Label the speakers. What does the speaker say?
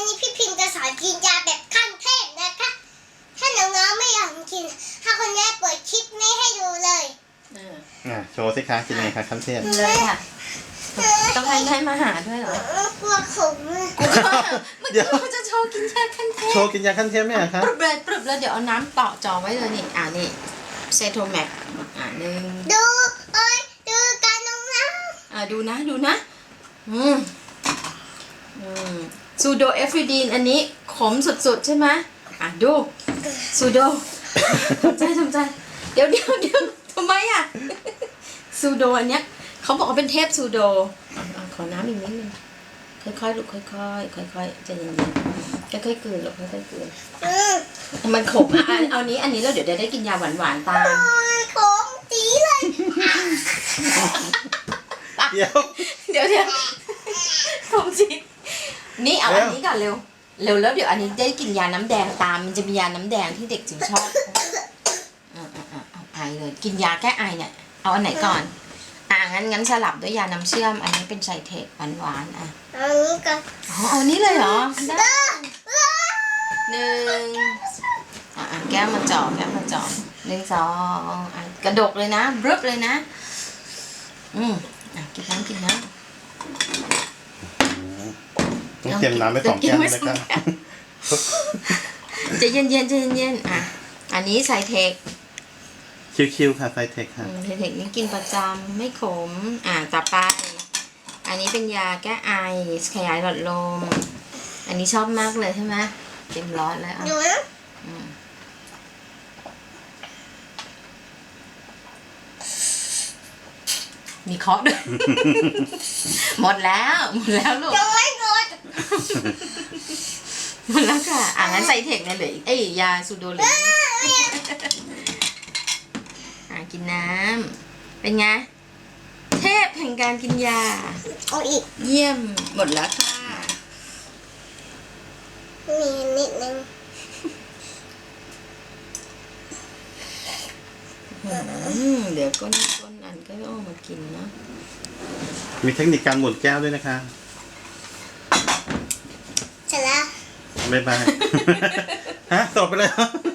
Speaker 1: นี้พี่พิมพ์จะสอนกินยาแบบขั้นเทพนะคะถ้าน้องๆไม่อยากกินถ้าคนแรกเปิดคลิปนี้ให้ดูเลย
Speaker 2: โชว์สิคะกินยังไงคะขั้นเทพ
Speaker 3: เลยค่ะต้องให้มาหาด้วยเหรอก
Speaker 1: ลัวขมอะ
Speaker 3: เมื่อกี้เขาจะโชว์กินยาขั้นเทพ
Speaker 2: โชว์กินยาขั้นเทพไหมอะคะ
Speaker 3: ปรึบเลยเดี๋ยวเอาน้ำต่อจอไว้เลยนี่นี่เซโทแมกหนึ่ง
Speaker 1: ดูดูการน้อง
Speaker 3: ดูนะซูโดเอฟริดีนอันนี้ขมสุดๆใช่ไหมดูซูโดทำใจเดี๋ยวทำไมอ่ะซูโดอันเนี้ยเขาบอกว่าเป็นเทพซูโดขอน้ำอีกนิดนึงค่อยๆลูกค่อยๆใจเย็นๆค่อยๆกลืนลูกค่อยๆกลืนมันขมเอานี้อันนี้แล้วเดี๋ยวได้กินยาหวานๆตาม
Speaker 1: ขมจีเลย
Speaker 2: เดี๋ยว
Speaker 3: ขมจริงนี่เอาอันนี้ก่อนเร็วแล้วเดี๋ยวอันนี้ได้กินยาน้ำแดงตามมันจะมียาน้ำแดงที่เด็กจิ๋วชอบเอาไอเลยกินยาแก้ไอเนี่ยเอาอันไหนก่อนงั้นสลับด้วยยาน้ำเชื่อมอันนี้เป็นไซเทคหวาน
Speaker 1: อันนี้ก็
Speaker 3: เอานี้เลยเหรอได้หนึ่งแก้วมาจ่อ1 2กระดกเลยนะบรึบเลยนะกินน้ำ
Speaker 2: ต้องเตรียมน้ำไป2 แก้วเลยครับ
Speaker 3: ใจเย็นอันนี้ไซเทค
Speaker 2: คิวๆค่ะไซเทคค่ะ
Speaker 3: ไซเทคนี่กินประจำไม่ขมต่อไปอันนี้เป็นยาแก้ไอขยายหลอดลมอันนี้ชอบมากเลยใช่ไหมเต็มร้อนแล้ว
Speaker 1: ดูนะ
Speaker 3: มีเคาะด้วย หมดแล้วลูก
Speaker 1: ยังไม่หมด
Speaker 3: หมดแล้วค่ะงั้นไซเทคเนี่ยเหลืออีกยาซูโดเหลือกินน้ำเป็นไงเทพแห่งการกินยา
Speaker 1: เอาอีก
Speaker 3: เยี่ยมหมดแล้วค่ะ
Speaker 1: มีนิดนึง
Speaker 3: เดี๋ยวก้นอันก็เอามากินนะ
Speaker 2: มีเทคนิคการหมุนแก้วด้วยนะคะ
Speaker 1: เสร็จแล้ว
Speaker 2: บ๊ายบาย ฮะตบไปเลย